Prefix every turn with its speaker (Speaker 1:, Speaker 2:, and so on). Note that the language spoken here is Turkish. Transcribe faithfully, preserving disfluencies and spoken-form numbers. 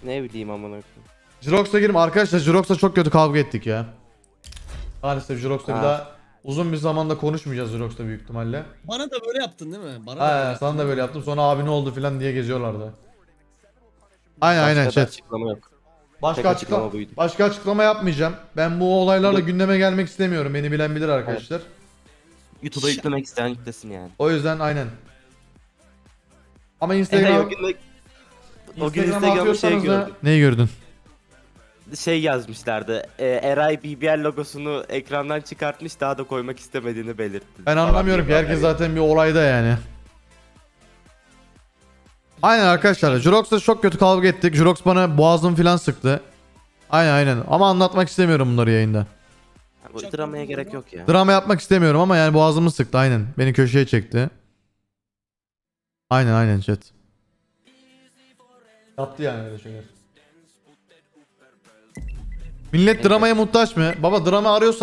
Speaker 1: Ne bileyim amına koyayım.
Speaker 2: Jirox'a girme arkadaşlar, Jirox'la çok kötü kavga ettik ya. Maalesef Jirox'la bir
Speaker 1: Ha.
Speaker 2: daha uzun bir zamanda konuşmayacağız Jirox'la büyük ihtimalle.
Speaker 3: Bana da böyle yaptın değil mi? Bana da böyle
Speaker 2: Ha,
Speaker 3: yaptın.
Speaker 2: sana da böyle yaptım, sonra abi ne oldu filan diye geziyorlardı. Aynen
Speaker 1: Başka
Speaker 2: aynen
Speaker 1: da
Speaker 2: chat.
Speaker 1: açıklama yok.
Speaker 2: Başka
Speaker 1: tek
Speaker 2: açıklama,
Speaker 1: açıklama buydu.
Speaker 2: başka açıklama yapmayacağım. Ben bu olaylarla
Speaker 1: Yok.
Speaker 2: gündeme gelmek istemiyorum. Beni bilen bilir arkadaşlar.
Speaker 1: YouTube'a yüklemek isteyen yüklesin yani.
Speaker 2: O yüzden aynen. Ama
Speaker 1: Eray
Speaker 2: Instagram
Speaker 1: o gün, o gün
Speaker 2: Instagram'a
Speaker 1: Instagram'da şey
Speaker 2: atıyorsanız da
Speaker 1: gördüm.
Speaker 2: neyi gördün?
Speaker 1: Şey yazmışlardı. E, Eray B B L logosunu ekrandan çıkartmış, daha da koymak istemediğini belirtti.
Speaker 2: Ben
Speaker 1: falan
Speaker 2: anlamıyorum ki,
Speaker 1: diye
Speaker 2: herkes
Speaker 1: haber
Speaker 2: zaten bir olayda yani. Aynen arkadaşlar, Jurox'la çok kötü kavga ettik. Jurox bana boğazımı falan sıktı. Aynen aynen, ama anlatmak istemiyorum bunları yayında.
Speaker 1: yani. Bu dramaya gerek yok ya.
Speaker 2: Drama yapmak istemiyorum ama yani boğazımı sıktı aynen. Beni köşeye çekti. Aynen aynen chat. Yaptı yani öyle şeyler. Millet dramaya muhtaç mı? Baba drama arıyorsa